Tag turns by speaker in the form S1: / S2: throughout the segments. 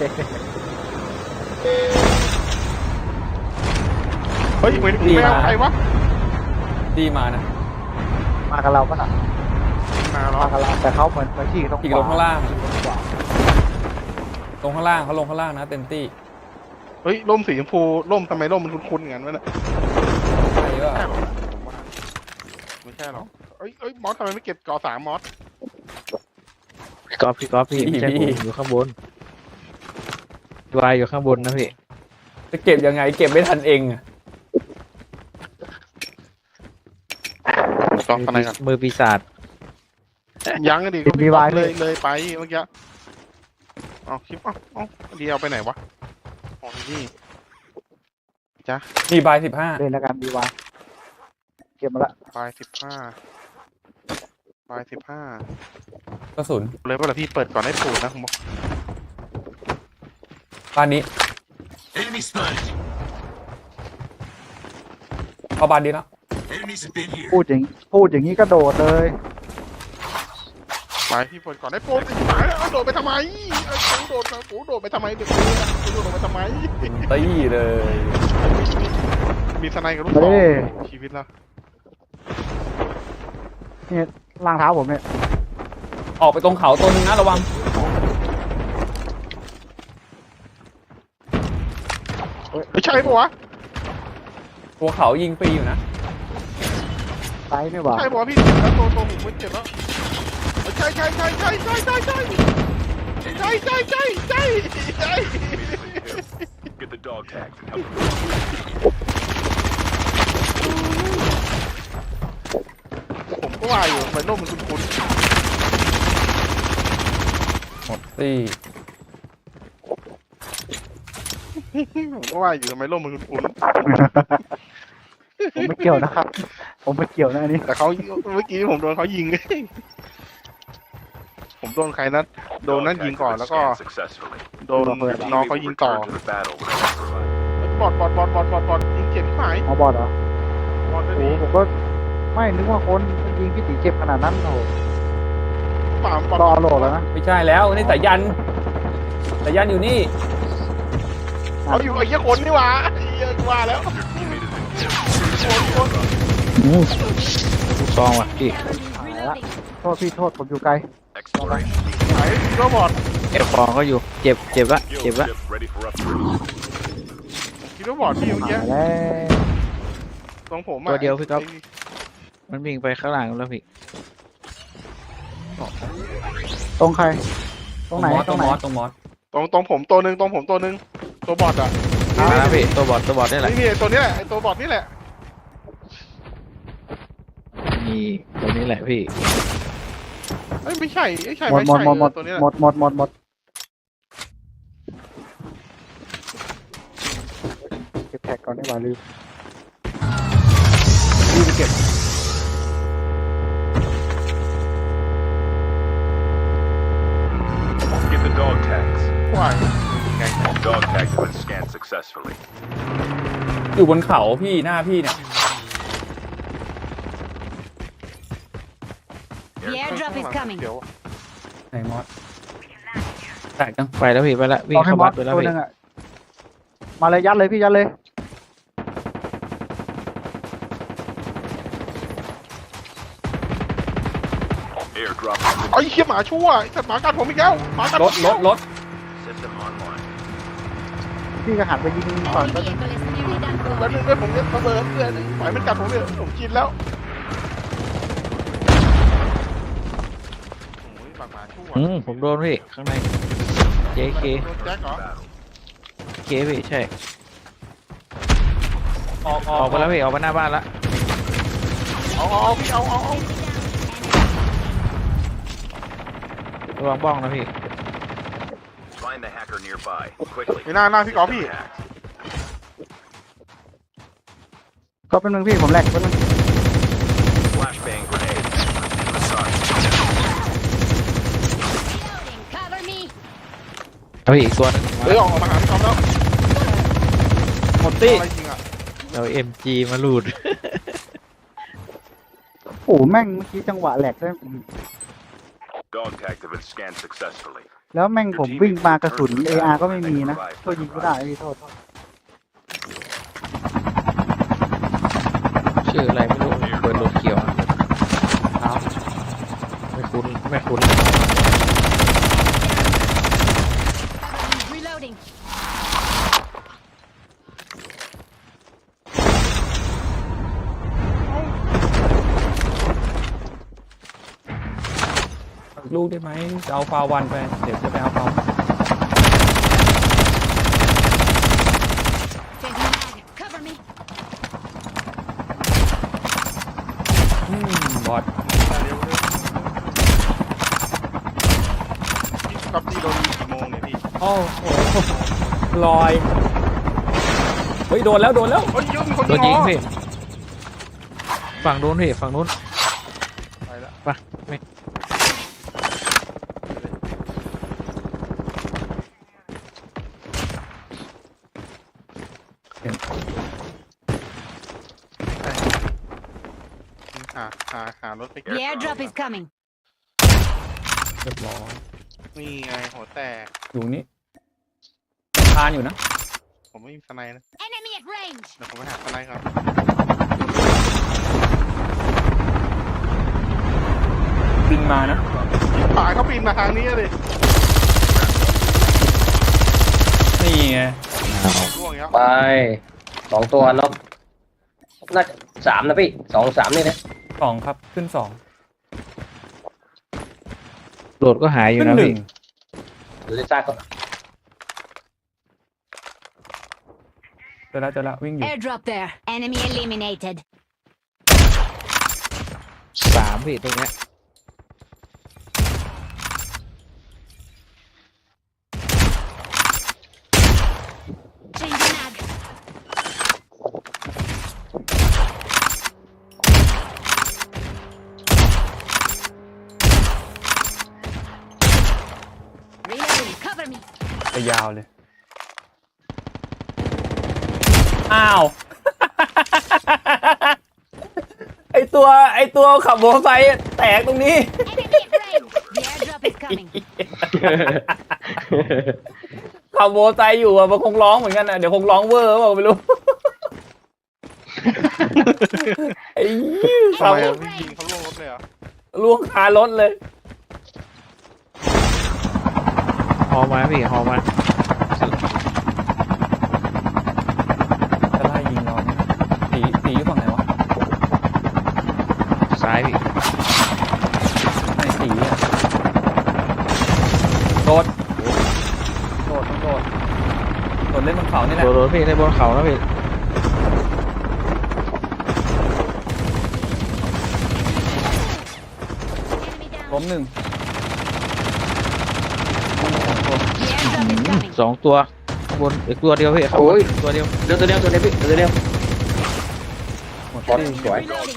S1: เฮ้ยไม่เอาใครวะ
S2: ดีมานะ
S3: มากับเราปะน่ะ
S1: มาหรอ
S3: มากับเราแต่เขาเหมือนขี่ตรง
S2: อีกลงข้างล่างลงข้างล่างเขาลงข้างล่างนะเต็มที่
S1: เฮ้ยร่มสีชมพูร่มทำไมร่มมันคุ้นๆอย่างนั้นวะเนี่ย
S2: ใช่ก็
S1: ใช่หรอผมว่าไม่ใช่หรอกเอ้ยมอสทำไมไม่เก็บกอ3มอส
S4: พี่ก๊อฟพี่ไม่ใช่ผมอยู่ข้างบนวายอยู่ข้างบนนะพี่
S2: จะเก็บยังไงเก็บไม่ทันเองอะ
S1: กองอะไรกัน
S4: มือปีศาจ
S1: ยังดิก็พี่เลยไปเมื่อกี้เอาคลิปเอาเดียวไปไหนวะอ๋อนี่จ้ะ
S2: มีบาย15
S3: เล่นแล้วกันดีวายเก็บมาละ
S1: ปลาย15
S2: กระสุน
S1: เลยว่าพี่เปิดก่อนให้ปูดนะผมบอก
S2: บ้านนี้เข้าบ้านดีแล้ว
S3: พูดอย่างนี้ก็โดดเลย
S1: ไปพี่เปิดก่อนให้ปูดหายแล้วโดดไปทำไมโดดนะโดดไปทำไมเด็กโดดไปทำไม
S2: ตีเลย
S1: มีสไนกับลูกศรชีวิตแล้ว
S3: นี่ล่างเท้าผมเนี่ย
S2: ออกไปตรงเขาตัวนึงนะระวัง
S1: ไม่ใช่ปะวะ
S2: ตัวเขายิงฟรีอยู่นะ
S3: ไซส์ไม่หว่า
S1: ใช่ปะวะพี่แล้วตัวผมมันเจ็บแล้วใช่Get the dog tag ผมก็ว่าอยู่มันร่มมันคุ้น
S2: หมดตี
S1: ผมก็ว่าอยู่ทำไมร่มมันคุ้น
S3: ผมไม่เกี่ยวนะครับ ผมไม่เกี่ยวนะอันนี้
S1: แต่เขาเมื่อกี้ผมโดนเขายิงผมโดนใครนัดโดนนั่นยิงก่อนแล้วก็โดนน้องเขายิงต่อบอดยิงเจ็บหาย
S3: เอาบอดเหรอบ
S1: อด
S3: โอ้
S1: นี่
S3: ผมก็ไม่นึกว่าคนยิงพี่ตีเจ็บขนาดนั้นโอ้โห
S1: ป่าม
S3: รอโหลดแล้วนะ
S2: ไม่ใช่แล้วนี่สายันอยู่นี่
S1: เขาอยู่ไอ้เหี้ยคนนี่หว่าเหี้ยว่าแล้วคน
S4: ลูกซองว่ะพี่
S3: หายละโทษพี่โทษผมอยู่ไกล
S1: ไหนโรบอท
S4: เอฟฟองก็อยู่เจ็บละ
S1: คิดว่าบอทพี่เมื่อกี้
S3: หายแล้ว
S1: ตรงผม
S4: ตัวเดียวพี่ก๊อฟมันวิ่งไปข้างหลังแล้วพี่
S3: ตรงใคร ตรงไหน
S2: ตรงมอส
S1: ตรงผมตัวหนึ่งตัวบอทอ่ะ
S4: มาแล้วพี่ตัวบอดนี่แหละ
S1: นี่ตัวนี้แหละไอ้ตัวบอทนี่แหละ
S4: นี่ตัวนี้แหละพี่
S1: ไม่ใช่
S3: หมด
S1: ไม่
S3: หมด
S1: ใช่
S3: หมดหมด
S1: ตัวนี้แหละ
S3: หมดเก็บแท็กก่อนดีกว่าลืม
S2: ไปเก็บ
S5: Get the dog tags.
S1: ว่าย
S5: Dog tags have been scanned successfully.
S2: อยู่บนเขาพี่หน้าพี่เนี่ย
S6: The airdrop is coming.
S1: เดี๋ยว
S2: ไหนมอสแตกจัง
S4: ไปแล้วพี่ไปแล้ววิ่ง
S3: เอาให้
S4: เข้า
S3: บอ
S4: บั
S3: ส
S4: ดไปแล้ว
S3: ตัว
S4: พี่
S3: หนึงอ่ะมาเลยยัดเลยพี่ยัดเลย
S5: Airdrop
S1: ไอ้เหี้ยหมาชั่วไอ้สัตว์หมากัดผมอีกแล้วหมากัด
S2: ร
S1: ผม
S2: ถ
S1: อีกแล้ว
S5: system online.
S3: พี่ก็หันไปยิงก่อน
S6: All
S3: ก็
S6: vehicle is nearly done
S1: แล้ว
S6: for.
S1: นึงด้วยผมเนี่ยระเบิดเพื่อนปล่อยมันกัดผมเนี่ยผมกินแล้วโอ้ยปากหมาชั่ว
S4: ผมโดนพี่ข้างใน JK
S1: โดนแจ็คเหรอ
S4: เคพี่ใช่
S2: ออก
S4: ออกไปแล้วพี่ออกไปหน้าบ้านละ
S1: เอาพี่เอา
S4: ระวังบ้องนะพี่
S5: Find the hacker nearby. Quickly.
S1: ไม่น่าพี่กอล์ฟพี่
S3: ก็เป็นมึงพี่ผมแหลกเป็นมึง
S5: Flashbang grenade. Massage.
S6: Reloading. Cover me.
S4: เอาพี่อีกตัวนึง
S1: เฮ้ยออกมาหาพี่กอล์ฟแล้ว
S2: หมดตี
S1: อะไรจริงอ่ะ
S4: เรา MG มาลูด
S3: โอ้โหแม่งเมื่อกี้จังหวะแหลกได้
S5: Dog tags have been scanned successfully.
S3: แล้วแม่งผมวิ่งมากระสุน AR ก็ไม่มีนะช่วยยิงก็ได้พี่โทษ
S4: ชื่ออะไรไม่รู้เปิดโลเขียวอะ
S2: ครับ
S4: ไม่คุ้นไม่คุ้น
S6: Reloading.
S2: ลูกได้ไหมจะเอาฟาวันไปเดี๋ยวจะไปเอาเขา
S6: Changing mag. Cover me.
S2: บอด
S1: พี่ก๊อฟที่โดนยิงกี่โมงเนี่ยพี่
S2: โอ้โหลอยเฮ้ยโดนแล้วโดนแล้ว
S1: เฮ้ยเยอะมีคน
S4: โดนยิง
S1: เหรอ
S4: พี่ฝั่งนู้นพี่ฝั่งนู้น
S1: ไปละ
S4: ไปไม่
S1: หารถไป
S6: The airdrop is coming.
S2: เรียบร้อย
S1: นี่ไงหัวแตก
S2: อยู่นี่ทานอยู่นะ
S1: ผมไม่มีสไนด์นะ
S6: Enemy at range.
S1: เดี๋ยวผมไปหาสไนด์ครับ
S2: บินมานะ
S1: ฝ่ายเขาปีนมาทางนี้เลย
S2: นี่ไง
S1: ร่วงแล้ว
S7: ไป2 ตัวเนาะน่าจะ3นะพี่2 3นี่นะ
S2: 2ครับขึ้น2
S4: โดดก็หายอยู่
S2: ขึ้น
S4: นะ
S2: 1
S4: พี่
S7: หรือจะซากก็
S2: เจอแล้ววิ่งอยู่
S6: Airdrop there. Enemy eliminated.
S4: 3พี่ตรงเนี้ย
S6: Changing mag. Reloading. Cover me.
S2: ไปยาวเลย อ้าว ไอตัวขับมอเตอร์ไซค์แตกตรงนี้
S6: Enemy at range. The airdrop is coming.
S2: ขับมอเตอร์ไซค์อยู่อะมันคงร้องเหมือนกันอะเดี๋ยวคงร้องเวอร์เปล่าไม่รู้ ไอ้ขั
S1: ทำ
S2: บ
S1: ไมอะพี่ยิงเขาล่วงรถเลยเหรอ
S2: ล่วงคารถเลย
S4: ฮอมาพี่ฮอมา
S2: จะไล่ยิงเราเนี่ยสีอยู่ฝั่งไหนวะ
S4: ซ้ายพี่
S2: ไอ้สีอะโดดเล่นบนเขานี่แหละ
S4: โดดพี่ในบนเขานะพี่
S6: Enemy
S2: ล้
S6: down.
S2: มหนึ่ง
S6: The airdrop is coming.
S4: 2 ตัวข้างบนอีกตัวเดียวพี่ข้างบนตัวเดียว
S7: เดี๋ยวตัวเดียวพี่เดี๋ยว
S2: หมด
S7: บอล
S2: ที่
S7: สวย
S6: Reloading.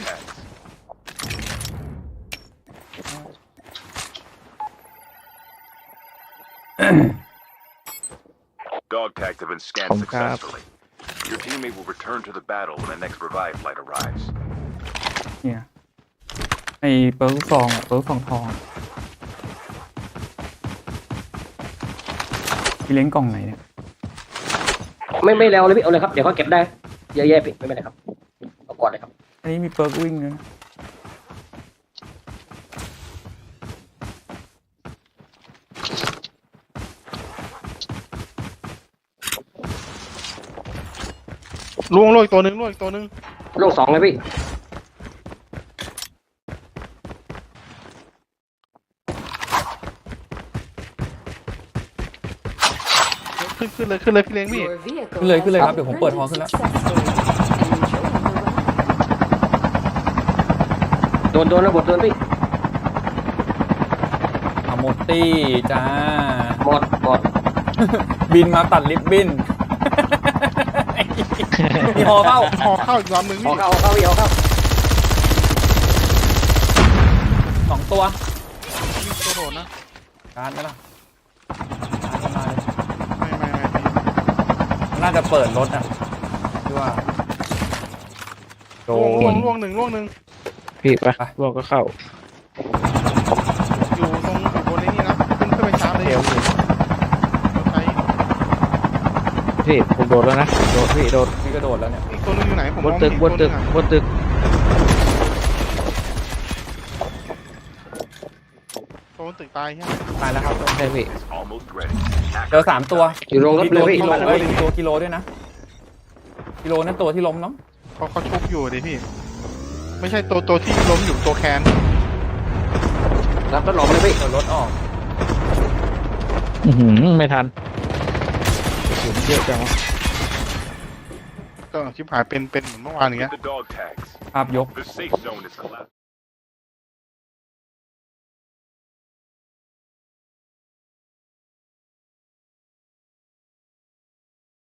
S5: Dog tags have been scanned
S4: Không cáp.
S5: successfully. Your teammate will return to the battle when the next revive flight arrives.
S2: เนี่ยไอ้เปิร์กฟองอะเปิร์กฟองทองอะพี่เล้งกล่องไหนเนี่ย
S7: ไม่แล้วเลยพี่เอาเลยครับเดี๋ยวเขาเก็บได้เยอะแยะพี่ไม่เป็นไรครับเอาก่อนเลยครับ
S2: อันนี้มีเปิร์กวิ่งด้วยนะ
S1: ล่วงอีกตัวหนึง
S7: ลง2เลยพี่
S1: ขึ้นเลยพี่เล้งพี่
S2: ขึ้นเลยครับเดี๋ยวผมเปิดฮอขึ้นแล้ว
S7: โดนระบบโดนพี่
S2: อะโมตี้จ้า
S7: หมด
S2: บินมาตัดลิฟต์บิน มีฮอเข้า
S1: หอเข้าอีกลำหนึ่ง
S7: เอา
S1: พี่
S7: เข้าพี่เอาเข้า
S2: 2 ตัว
S1: ยิงตัวโดดนะ
S2: การ์ดไหมล่ะการ์ดมาเลย
S1: ไม่พี่
S2: น่าจะเปิดรถอ่ะที่ว่าโดน
S1: ล่วงหนึ่ง
S4: พี่ไป
S2: ไป
S4: ลวกก็เข้า
S1: อยู่บนไอ้นี่นะขึ้นไปชาร์จเลย
S4: พี่ผมโดดแล้วนะโดดพี่โดด
S2: พี่กระโดดแล้วเนี่ย
S1: อีกตัวนึงอยู่ไหนผม
S4: บ
S1: ม
S4: น
S1: อง
S4: ตึ
S1: ไม่
S4: ก
S1: เห็น
S4: บนตึก
S1: ตัวนึงอะ
S4: บนตึก
S1: ตัวบนตึกตายใช่ไหม
S2: ตายแล้วครับ
S4: ใช่พี่
S5: Is almost ready.
S2: เจอ3 ตัว
S7: อยู่โรงรถ
S2: มี
S7: เล
S2: ตั
S7: ยว พี่
S2: กิโล
S7: บ้านหลัง
S2: เอ้ย
S7: นี้
S2: มีตัวกิโลด้วยนะกิโลนั่นตัวที่ล้มเนาะ
S1: เขาชุบอยู่ดิพี่ ไม่ใช่ตัวที่ล้มอยู่ตัวแคน
S7: รับรถหลอมเลยพี่
S2: เปิดรถออก
S4: ไม่ทันถึงเยอะจังวะ
S1: ก็ชิบหายเป็นเหมือนเมื่อวานอย่างเงี้ย
S5: Get the dog tags.
S2: ภาพยก
S5: The safe zone is collapsed.